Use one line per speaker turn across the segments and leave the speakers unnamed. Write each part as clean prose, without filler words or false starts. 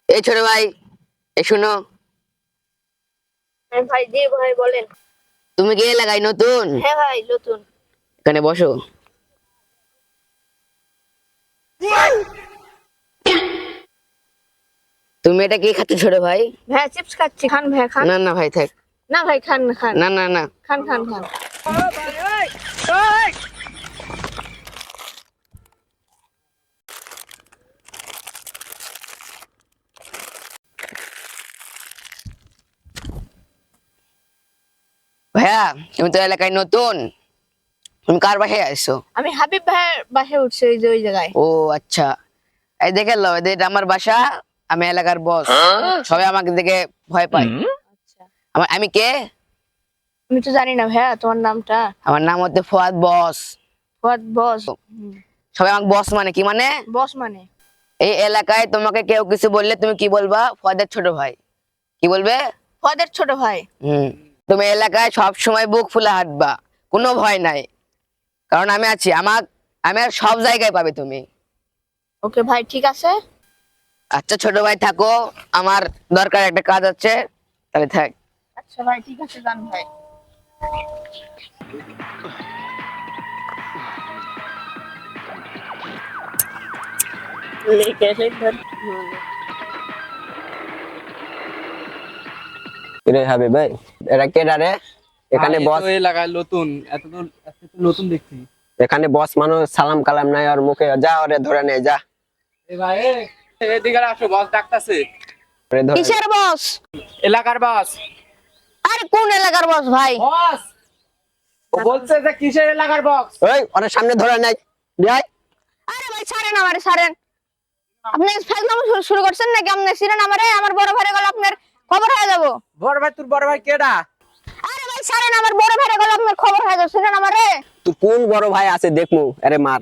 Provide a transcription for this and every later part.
এই ছোট ভাই, এই শুনো।
হ্যাঁ ভাই, জি ভাই বলেন।
তুমি কি এলাকায় নতুন?
হ্যাঁ ভাই নতুন।
এখানে বসো। তুমি এটা কি খাচ্ছ ছোট ভাই?
ভাই চিপস খাচ্ছি, খান ভাই খান।
না না ভাই থাক।
না ভাই খান খান।
না না না।
খান খান খান।
ভাইয়া, তুমি তো এলাকায় নতুন, তুমি কার বাসায় আসছো?
আমি হাবিব ভাইয়ের বাসায় উঠছি, ওই যে ওই জায়গায়।
ও আচ্ছা, এই দেখে লো, এটা আমার বাসা। আমি এলাকার বস। সবাই আমাকে দেখে ভয় পায়।
আচ্ছা,
আমি কে?
আমি তো জানি না ভাইয়া তোমার নামটা।
আমার নাম হচ্ছে ফুয়াদ বস।
হোয়াট বস?
সবাই আমাকে বস মানে কি মানে?
বস মানে?
এই এলাকায় তোমাকে কেউ কিছু বললে তুমি কি বলবা? ফুয়াদের ছোট ভাই। কি বলবে?
হোয়াটের ছোট ভাই।
তুমি এলাকায় সব সময় বুক ফুলে হাঁটবা, কোনো ভয় নাই, কারণ আমি আছি। আমি আর সব জায়গায় পাবে তুমি।
ওকে ভাই, ঠিক আছে।
আচ্ছা ছোট ভাই থাকো, আমার দরকার একটা কাজ আছে, তাহলে থাক।
আচ্ছা ভাই, ঠিক আছে, যান ভাই।
রে হবে ভাই, এরা কেডা রে? এখানে বস,
এলাকায় নতুন, এত তো নতুন দেখছি।
এখানে বস মানুষ সালাম কালাম নাই আর মুখে, যা ওরে ধরে নে, যা
এ ভাই, এদিকে আসো, বস ডাকতাছে।
ওরে ধরে নে।
কিসের বস?
এলাকার বস।
আরে কোন এলাকার বস ভাই?
বস, ও বলছে যে কিসের এলাকার বস?
ওই ওরে সামনে ধরে নাই, যাই।
আরে ভাই ছাড়েন, আমারে ছাড়েন। আপনি ফাইজলামো শুরু করছেন নাকি? আপনি ছিলেন আমারে, আমার বড় ভাইরে গেল আপনার খবর হয়ে যাব।
বড় ভাই, তোর বড় ভাই কেডা?
আরে ভাই ছাড়েন, আমার বড় ভাইরে গেল আপনার খবর হয়ে যাব, ছিলেন আমারে।
তুই কোন বড় ভাই আছে দেখমু, আরে মার।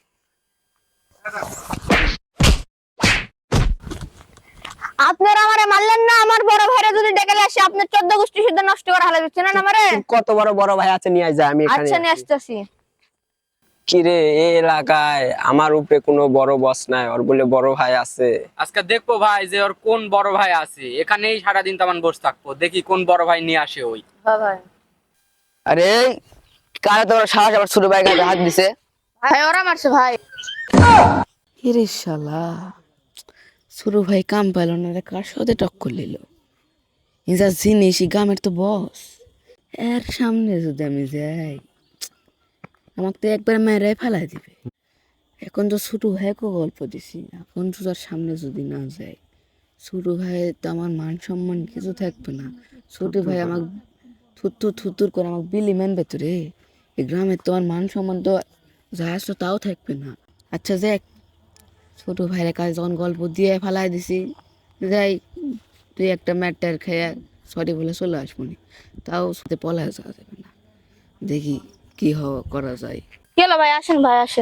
আপনারা আমারে মারলেন না, আমার বড় ভাইরে যদি ডেকে আসে আপনার 14 গোষ্ঠী শুদ্ধ নষ্ট করা হলে ছিলেন আমারে।
তুই কত বড় বড় ভাই আছে নিয়ে যা, আমি এখানে
আচ্ছা নিয়ে
আছি।
আসতেছি।
কি রে, এই এলাকায় আমার উপরে কোনো বড় বস নাই, ওর বলে বড় ভাই আছে।
আজকে দেখবো ভাই যে ওর কোন বড় ভাই আছে। এখানেই সারাদিন তেমন বসে থাকবো, দেখি কোন বড় ভাই নিয়ে আসে ওই।
হ্যাঁ ভাই।
আরে কারা তোমার সাহস আবার ছোট ভাই গায়ে হাত দিছে?
ভাই ওরা মারছে ভাই।
হিরে শালা, ছোট ভাই কাম পাইল না রে, কার সাথে টক্কর নিল? যা জিনিস, গ্রামের তো বস, এর সামনে যদি আমি যাই, আমাকে তো একবার মেরে ফেলাই দিবে। এখন তো ছোট ভাইকে গল্প দিছি, এখন তো তার সামনে যদি না যাই, ছোট ভাই তো আমার মান সম্মান কিছু থাকবে না। ছোট ভাই আমাকে থুত্তুর থুত্তুর করে আমাকে বিলি মানবে তো রে। এই গ্রামের তো আমার মান সম্মান তো যা আসতো তাও থাকবে না। আচ্ছা দেখ, ছোট ভাইয়ের কাছে যখন গল্প দিয়ে ফেলাই দিছি, যাই তুই একটা ম্যাটার খেয়ে সরি বলে চলে আসবো নি, তাও সাথে পলায় যাওয়া যাবে না। দেখি কি করা যায়।
কি হলো ভাই? আসেন ভাই আসেন।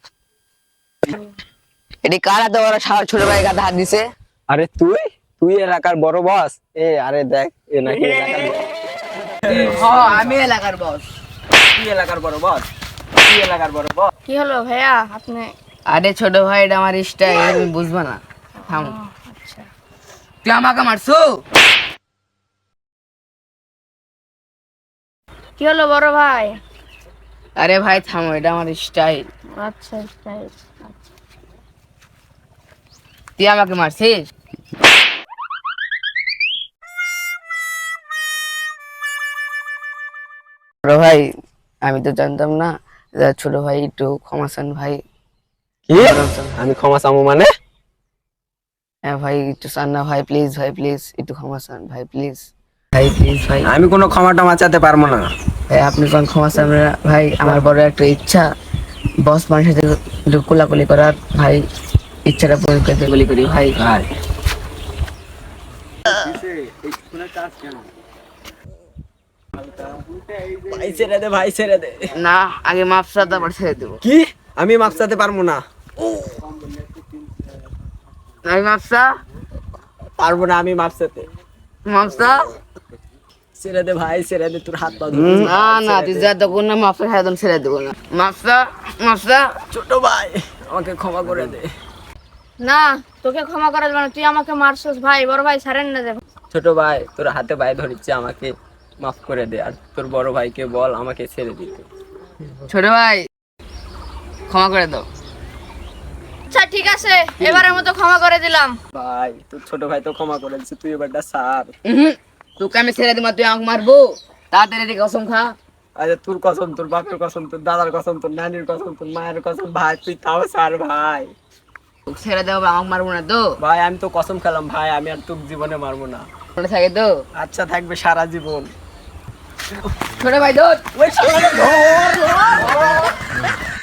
এটি কারা তো ওরা ছোট ভাই গায়ে হাত দিছে?
আরে তুই তুই এলাকার বড় বস? আরে দেখ, এ নাকি এলাকার বড়।
আমি এলাকার বস।
তুই এলাকার বড় বস? তুই এলাকার বড় বস?
কি হলো ভাইয়া আপনি?
আরে ছোট ভাই, এটা আমার স্টাইল, তুমি বুঝবা না। থামো।
আচ্ছা,
তুই আমাকে মারছো?
কি হলো বড় ভাই?
আরে ভাই থামো, এটা আমার স্টাইল।
আচ্ছা স্টাইল।
তুই আমাকে মারছিস? ছোট ভাই, আমি তো জানতাম না। ছোট ভাই একটু ক্ষমা চান ভাই।
কি? আমি ক্ষমা চাবো মানে?
হ্যাঁ ভাই, একটু চান না ভাই, প্লিজ ভাই, প্লিজ একটু ক্ষমা চান ভাই, প্লিজ ভাই, প্লিজ ভাই।
আমি কোনো ক্ষমা টমা চাইতে পারবো না।
ভাই আপনি কোন ক্ষমা চান না ভাই, আমার বড় একটা ইচ্ছা, বস মানুষের সাথে একটু কোলাকুলি করার ভাই, ইচ্ছাটা পূরণ করতে গুলি করি ভাই।
ভাই ভাই ছেড়ে দে, ভাই ছেড়ে দে।
না, আগে মাফ চা, তারপর ছেড়ে দেবো।
কি? আমি মাপ চাইতে পারবো না।
আমি মাফ চা।
পারবো না আমি মাপ চাইতে।
মাফ চা।
ছেড়ে দে ভাই, ছেড়ে দে, তোর হাত পা ধরে।
না না, তুই যা তখন না মাফের হাতন ছেড়ে দেবো না। মাফ চা, মাফ চা।
ছোট ভাই, আমাকে ক্ষমা করে দে।
না, তোকে ক্ষমা করা যাবে না, তুই আমাকে মারছস ভাই, বড় ভাই ছাড়েন না যে।
ছোট ভাই তোর হাতে পায়ে ধরিচ্ছে, আমাকে মাফ করে দে, আর তোর বড় ভাইকে বল আমাকে ছেড়ে দিতে।
ছোট ভাই ক্ষমা করে দাও।
আচ্ছা ঠিক আছে, এবারের মতো ক্ষমা করে দিলাম।
ভাই তোর ছোট ভাই তো ক্ষমা করে দিচ্ছে, তুই এবারটা সার।
তোকে আমি ছেড়ে দিব, তুই আমাকে মারবো? তাড়াতাড়ি রে কসম খা।
আরে তোর কসম, তোর বাপের কসম, তোর দাদার কসম, তোর নানির কসম, তোর মায়ের কসম, ভাই তুই তাও সার ভাই।
তোকে ছেড়ে দেবো, আমাকে মারবো না তো?
ভাই আমি তো কসম খেলাম ভাই, আমি আর তোর জীবনে মারবো না।
মনে থাকে তো?
আচ্ছা থাকবে সারা জীবন।
ছোট ভাই ধর।
ওই শালাকে ধর।